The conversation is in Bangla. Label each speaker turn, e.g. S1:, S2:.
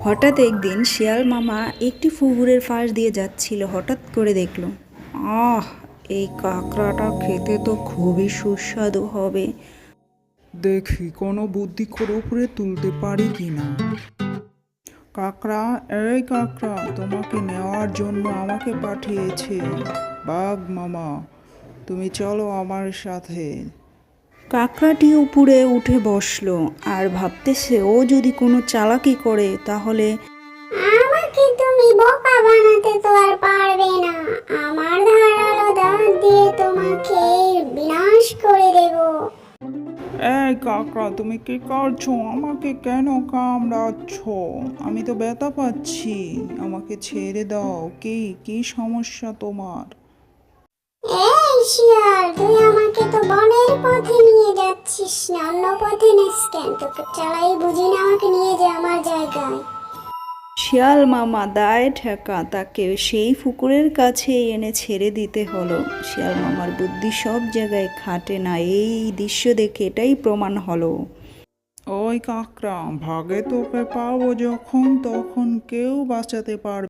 S1: হঠাৎ একদিন শিয়াল মামা একটি পুকুরের পাশ দিয়ে যাচ্ছিল। হঠাৎ করে দেখলো, আহ, এই কাঁকড়াটা খেতে তো খুবই সুস্বাদু হবে।
S2: দেখি কোনো বুদ্ধি করে উপরে তুলতে পারি কিনা। কাকড়া, এই কাকড়া, তোমাকে নেওয়ার জন্য আমাকে পাঠিয়েছে বাঘ মামা। তুমি চলো আমার সাথে।
S1: কাঁকড়াটি উপরে উঠে বসলো আর ভাবতেছে ও যদি কোনো চালাকি করে তাহলে।
S3: আমাকে তুমি বোকা বানাতে তো আর পারবে না। আমার ধারালো দাঁত দিয়ে তোমাকে বিনাশ করে দেব।
S2: এই কাকড়া, তুমি কি করছো? আমাকে কেন কামড়াচ্ছ? আমি তো ব্যথা পাচ্ছি। আমাকে ছেড়ে দাও। কি কি সমস্যা তোমার?
S3: এই শিয়াল, তুই আমাকে তো বনের পথে নিয়ে যাচ্ছিস না, অন্য পথে নিস কেন? তোকে চালাই বুঝি না, আমাকে নিয়ে যা আমার জায়গায়।
S1: শিয়াল মামা দায় ঠেকা তাকে সেই পুকুরের কাছে এনে ছেড়ে দিতে হলো। শিয়াল মামার বুদ্ধি সব জায়গায় খাটে না, এই দৃশ্য দেখে এটাই প্রমাণ হলো।
S2: ওই কাকড়া, ভাগে তোকে পাবো যখন তখন কেউ বাঁচাতে পারবে